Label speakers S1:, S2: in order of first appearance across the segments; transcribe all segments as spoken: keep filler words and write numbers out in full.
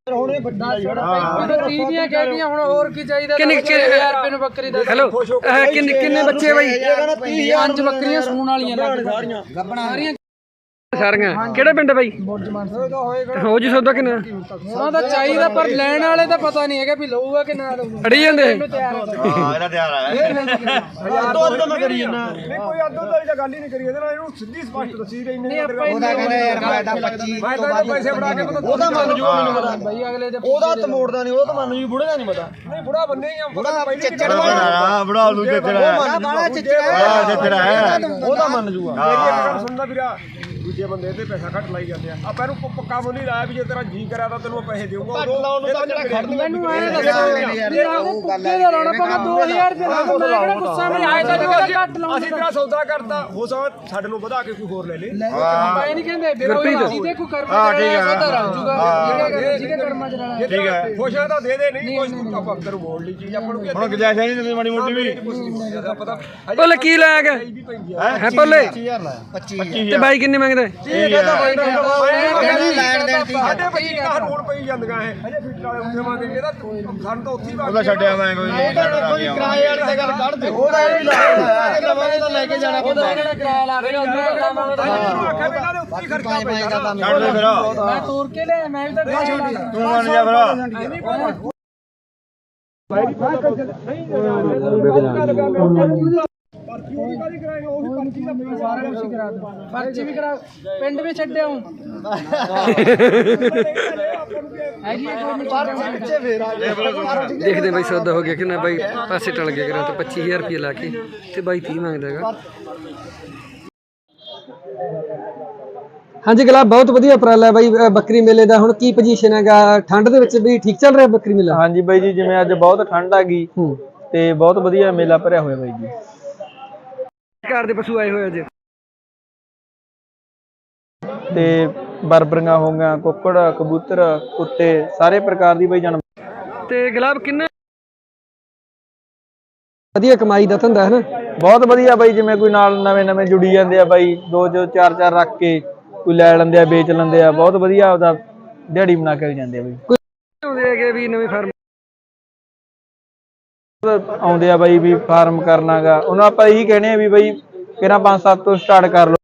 S1: hello किन्ने किन्ने बच्चे भाई पांच बकरियां सूण वालियां सारियां किहड़ा पिंड भाई हो जी सौदा किन्ना ਉਹਨਾਂ ਦਾ ਚਾਹੀਦਾ ਪਰ ਲੈਣ ਵਾਲੇ ਦਾ ਪਤਾ ਨਹੀਂ ਹੈਗਾ ਵੀ ਲਊਗਾ ਕਿ ਨਾ ਲਊਗਾ ਅੜੀ ਜਾਂਦੇ ਹਾਂ ਇਹਦਾ ਤਿਆਰ ਆ ਦੋ ਅੱਧ ਮੈਂ ਕਰੀ ਜਨਾ ਨਹੀਂ ਕੋਈ ਅੱਧ ਅੱਧ ਵਾਲੀ ਤਾਂ ਗੱਲ ਹੀ ਨਹੀਂ ਕਰੀ ਇਹਦੇ ਨਾਲ ਇਹਨੂੰ ਸਿੱਧੀ ਸਪਸ਼ਟ ਦੱਸੀ ਰਹੀ ਨਹੀਂ ਉਹਦਾ ਕਹਿੰਦਾ ਯਾਰ ਮੈਂ ਤਾਂ ਪੱਚੀ ਮੈਂ ਤਾਂ ਪੈਸੇ ਫੜਾ ਕੇ ਉਹਦਾ ਮੰਨ ਜੂ ਮੈਨੂੰ ਪਤਾ ਬਾਈ ਅਗਲੇ ਦੇ ਉਹਦਾ ਤਾਂ ਮੋੜਦਾ ਨਹੀਂ ਉਹ ਤਾਂ ਮੰਨ ਜੂ ਬੁੜੇ ਦਾ ਨਹੀਂ ਪਤਾ ਨਹੀਂ ਬੁੜਾ ਬੰਨੇ ਹੀ ਆ ਬੁੜਾ ਚੱਚੜ ਹਾਂ ਬੁੜਾ ਨੂੰ ਚੱਚੜ ਹੈ ਬਾਲਾ ਚੱਚੜ ਹੈ ਉਹਦਾ ਮੰਨ ਜੂਗਾ ਮੇਰੀ ਇੱਕ ਗੱਲ ਸੁਣਦਾ ਵੀਰਾ ਦੂਜੇ ਬੰਦੇ ਤੇ ਪੈਸਾ ਘੱਟ ਲਾਈ ਜਾਂਦੇ ਆ ਆਪਾਂ ਇਹਨੂੰ ਪੱਕਾ ਮੁੱਲ ਨਹੀਂ ਲਾਇਆ ਵੀ ਜੇ ਤੇਰਾ ਜੀ ਕਰਿਆ ਤਾਂ ਤੈਨੂੰ ਪੈਸੇ ਦੇਊਗਾ ਘੱਟ ਲਾਉਣ ਨੂੰ ਤਾਂ ਜਿਹੜਾ ਖੜਨ ਮੈਨੂੰ ਐ ਦੱਸੋ ਯਾਰ ਉਹ ਗੱਲ ਹੈ ਲਾਉਣਾ ਪਗਾ ਦੋ ਹਜ਼ਾਰ ਰੁਪਏ ਲਾ ਮੈਂ ਕਿਹੜਾ ਗੁੱਸਾ ਮੈਂ ਆਏ ਤਾਂ ਘੱਟ ਲਾਉਣਾ ਅਸੀਂ ਤੇਰਾ ਸੌਦਾ ਕਰਤਾ ਹੋ ਸਕਦਾ ਸਾਡੇ ਨੂੰ ਵਧਾ ਕੇ ਕੋਈ ਹੋਰ ਲੈ ਲੇ ਆਪਾਂ ਇਹ ਨਹੀਂ ਕਹਿੰਦੇ ਵੀਰੋ ਜਿਹਦੇ ਕੋਈ ਕਰਮ ਕਰਾਇਆ ਸੌਦਾ ਰਲ ਜੂਗਾ ਜਿਹਦੇ ਕਰਮਾਂ ਚ ਰਹਿਣਾ ਠੀਕ ਹੈ ਖੁਸ਼ ਆ ਤਾਂ ਦੇ ਦੇ ਨਹੀਂ ਕੋਈ ਆਪਾਂ ਅੰਦਰ ਮੋੜ ਲਈ ਚੀਜ਼ ਆਪਾਂ ਨੂੰ ਹੁਣ ਗੁਜਾਇਸ਼ ਨਹੀਂ ਦਿੰਦੇ ਮਾੜੀ ਮੋਟੀ ਵੀ ਪਤਾ ਭੁੱਲ ਕੀ ਲਾਇਆ ਗਿਆ ਹੈ ਭੁੱਲੇ ਪੱਚੀ ਹਜ਼ਾਰ ਲਾਇਆ ਪੱਚੀ ਤੇ ਬਾਈ ਕਿੰਨੇ ਮੰਗਦਾ ਠੀਕ ਹੈ ਬਾਈ ਲੈਣ ਦੇਣ ਦੀ ਸਾਡੇ ਪੱਚੀ ਦਾ ਰੋਡ ਪਈ ਜਾਂਦੀਆਂ ਇਹ ਅਜੇ ਫਿੱਟ ਵਾਲੇ ਉੱਥੇ ਮੰਗੇ ਇਹਦਾ ਸਾਨੂੰ ਤਾਂ ਉੱਥੇ ਹੀ ਉਹਦਾ ਛੱਡਿਆ ਮੈਂ ਕੋਈ ਨਹੀਂ ਕੋਈ ਕਿਰਾਏ ਵਾਲੀ ਤੇ ਗੱਲ ਕੱਢ ਦੇ ਉਹਦਾ ਇਹ ਵੀ ਲਾਇਆ ਨਵਾਂ ਤਾਂ ਲੈ ਕੇ ਜਾਣਾ ਉਹਦਾ ਇਹਨਾਂ ਨੇ ਕਿਰਾਇਆ ਲਾ ਕੇ ਉਹਦਾ ਮੰਗਦਾ ਆਖਿਆ ਪਹਿਲਾਂ ਦੇ ਉੱਥੇ ਖਰਚਾ ਪੈਂਦਾ ਛੱਡ ਦੇ ਫਿਰ ਮੈਂ ਤੋੜ ਕੇ ਲੈ ਮੈਂ ਵੀ ਤਾਂ ਤੂੰ ਮੰਨ ਜਾ ਫਿਰ पर्ची भी काली कराएंगे वो भी पर्ची का पैसा सारा कुछ करा दो पर्ची भी करा पिंड में छड्डे हूं देखदे भाई सौदा हो गया कि ना भाई पासे टल गया करा तो पच्चीस हज़ार रुपये ला के ते भाई तीस मांगदा हैगा हाँ जी गुलाब बहुत वधिया उपराला है भाई बकरी मेले का हुण की पोजीशन हैगा ठंड दे विच भी ठीक चल रहा बकरी मेला हाँ जी भाई जी जिवें अज बहुत ठंड आ गई ते बहुत वधिया मेला भरिया होया भाई जी कार दे पशु आए हुए अज ते बरबरियां हो गईयां कुक्कड़ कबूतर कुत्ते सारे प्रकार दी भाई जानवर ते गुलाब किन्ना वधिया कमाई दा धंधा है ना बहुत वधिया भाई जिवें कोई नाल नवें नवें जुड़ी जांदे आ भाई दो जो चार चार रख के कोई लै लैंदे आ बेच लैंदे आ बहुत वधिया आपदा दिहाड़ी बना के जांदे आ भाई कोई आउंदे आ भी नवीं फार्म आउंदे आ भाई भी फार्म करना गा उन्होंने आप यही कहने भी भाई फिर पांच सात तो स्टार्ट कर लो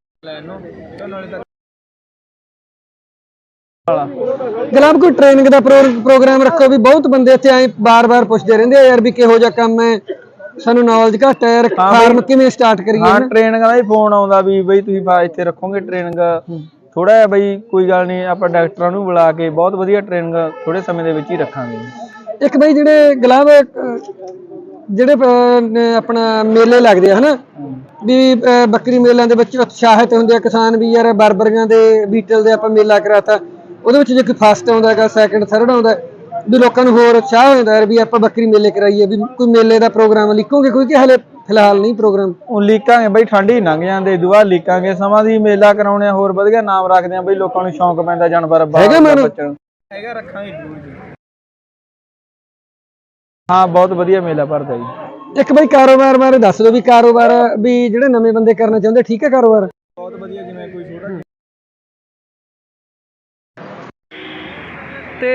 S1: गुलाब कोई ट्रेनिंग का प्रोग्राम रखो भी बहुत बंदे इत्थे आए बार बार पुछदे रहिंदे यार भी किहो जिहा काम है सानू नॉलेज घट है यार फार्म किवें स्टार्ट करिए हां ट्रेनिंग दा ही फोन आउंदा भी भाई तुसीं इत्थे रखोगे ट्रेनिंग थोड़ा है भाई कोई गल नहीं आपां डॉक्टरां नूं बुला के बहुत वधिया ट्रेनिंग थोड़े समय दे विच ही रखांगे एक भाई जिहड़े गुलाब ਜਿਹੜੇ ਆਪਣਾ ਮੇਲੇ ਲੱਗਦੇ ਆ ਹਨਾ ਵੀ ਬੱਕਰੀ ਮੇਲਿਆਂ ਦੇ ਵਿੱਚ ਉਤਸ਼ਾਹਿਤ ਹੁੰਦੇ ਆ ਕਿਸਾਨ ਵੀ ਯਾਰ ਬਰਬਰੀਆਂ ਦੇ ਬੀਟਲ ਦੇ ਆਪਾਂ ਮੇਲਾ ਕਰਾਤਾ ਉਹਦੇ ਵਿੱਚ ਜੇ ਕੋਈ ਫਸਟ ਆਉਂਦਾ ਹੈਗਾ ਸੈਕਿੰਡ ਥਰਡ ਆਉਂਦਾ ਵੀ ਲੋਕਾਂ ਨੂੰ ਹੋਰ ਉਤਸ਼ਾਹ ਹੋ ਜਾਂਦਾ ਯਾਰ ਵੀ ਆਪਾਂ ਬੱਕਰੀ ਮੇਲੇ ਕਰਾਈਏ ਵੀ ਕੋਈ ਮੇਲੇ ਦਾ ਪ੍ਰੋਗਰਾਮ ਲਿਖੋਗੇ ਕੋਈ ਕਿ ਹਲੇ ਫਿਲਹਾਲ ਨਹੀਂ ਪ੍ਰੋਗਰਾਮ ਉਹ ਲਿਖਾਂਗੇ ਬਈ ਠੰਡ ਹੀ ਲੰਘ ਜਾਂਦੇ ਦੁਆ ਲਿਖਾਂਗੇ ਸਮਾਂ ਦੀ ਮੇਲਾ ਕਰਾਉਣੇ ਹੋਰ ਵਧੀਆ ਨਾਮ ਰੱਖਦੇ ਆ ਬਈ ਲੋਕਾਂ ਨੂੰ ਸ਼ੌਂਕ ਪੈਂਦਾ ਜਾਨਵਰ ਹੈਗਾ ਮੈਨੂੰ ਹੈਗਾ ਰੱਖਾਂਗੇ ਜ਼ਰੂਰ हाँ बहुत वधिया मेला भरदा जी एक भाई कारोबार बारे दस दो भी कारोबार भी जिहड़े नवे बंदे करना चाहुंदे ठीक है कारोबार बहुत वधिया जिवें कोई छोटा ते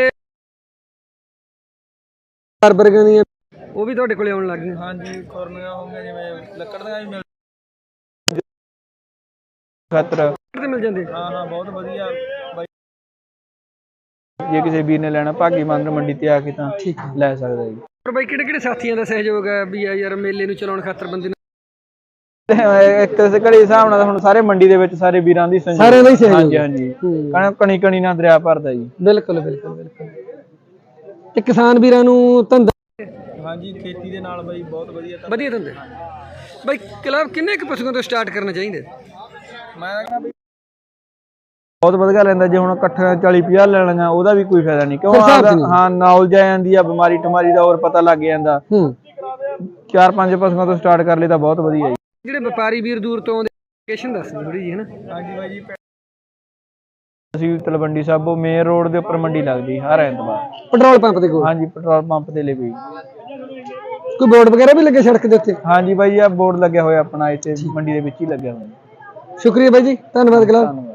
S1: बरबरियां दी ਉਹ ਵੀ ਤੁਹਾਡੇ ਕੋਲੇ ਆਉਣ ਲੱਗ ਗਈਆਂ ਹਾਂਜੀ ਖੁਰਨੀਆਂ ਹੋ ਗਈਆਂ ਜਿਵੇਂ ਲੱਕੜ ਦੀਆਂ ਵੀ ਮਿਲ ਖਤਰ ਤੇ ਮਿਲ ਜਾਂਦੇ ਹਾਂ ਹਾਂ ਬਹੁਤ ਵਧੀਆ ਬਾਈ ਜੇ ਕਿਸੇ ਵੀਰ ਨੇ ਲੈਣਾ ਭਾਗੀ ਮੰਦਰ ਮੰਡੀ ਤੇ ਆ ਕੇ ਤਾਂ ਠੀਕ ਲੈ ਸਕਦਾ ਜੀ ਪਰ ਬਾਈ ਕਿਹੜੇ ਕਿਹੜੇ ਸਾਥੀਆਂ ਦਾ ਸਹਿਯੋਗ ਹੈ ਵੀ ਯਾਰ ਮੇਲੇ ਨੂੰ ਚਲਾਉਣ ਖਾਤਰ ਬੰਦੇ ਨੂੰ ਇੱਕ ਘੜੇ ਹਿਸਾਬ ਨਾਲ ਹੁਣ ਸਾਰੇ ਮੰਡੀ ਦੇ ਵਿੱਚ ਸਾਰੇ ਵੀਰਾਂ ਦੀ ਸਹਿਯੋਗ ਸਾਰਿਆਂ ਦਾ ਹੀ ਸਹਿਯੋਗ ਹਾਂਜੀ ਹਾਂਜੀ ਕਣ ਕਣੀ ਕਣੀ ਨਾਲ ਦਰਿਆ ਭਰਦਾ ਜੀ ਬਿਲਕੁਲ ਬਿਲਕੁਲ ਬਿਲਕੁਲ ਤੇ ਕਿਸਾਨ ਵੀਰਾਂ ਨੂੰ ਧੰਦਾ ਹਾਂਜੀ ਖੇਤੀ ਦੇ ਨਾਲ ਬਾਈ ਬਹੁਤ ਵਧੀਆ ਵਧੀਆ ਧੰਦੇ ਬਾਈ ਕਲੱਬ ਕਿੰਨੇ ਕੁ ਪਸ਼ੂਆਂ ਤੋਂ ਸਟਾਰਟ ਕਰਨਾ ਚਾਹੀਦਾ ਮੈਂ ਕਹਿੰਦਾ बहुत वधिया लैंदा जे हुण इकट्ठा चाली पचास ले लेंगा ओदा भी कोई फायदा नहीं क्यों हाँ नॉलेज आ जांदी आ बीमारी टमारी दा और पता लग जांदा चार पांच पशुओं तो स्टार्ट कर ले तां बहुत वधिया जी जिहड़े व्यापारी वीर दूर तो आउंदे लोकेशन दस थोड़ी जी है ना हां जी भाई जी ਅਸੀਂ ਤਲਵੰਡੀ ਸਾਬੋ ਮੇਨ रोड ਦੇ ਉੱਪਰ ਮੰਡੀ ਲੱਗਦੀ ਹਰ ਐਤਵਾਰ ਪੈਟਰੋਲ ਪੰਪ ਦੇ ਕੋਲ ਹਾਂਜੀ ਪੈਟਰੋਲ ਪੰਪ ਦੇ ਲਈ ਵੀ ਕੋਈ ਬੋਰਡ ਵਗੈਰਾ ਵੀ ਲੱਗੇ ਸੜਕ ਦੇ ਉੱਤੇ ਹਾਂਜੀ ਬਾਈ ਆ ਬੋਰਡ ਲੱਗਿਆ ਹੋਇਆ ਆਪਣਾ ਇੱਥੇ ਮੰਡੀ ਦੇ ਵਿੱਚ ਹੀ ਲੱਗਿਆ ਹੋਇਆ ਸ਼ੁਕਰੀਆ ਬਾਈ ਜੀ ਧੰਨਵਾਦ ਗੁਲਾਬ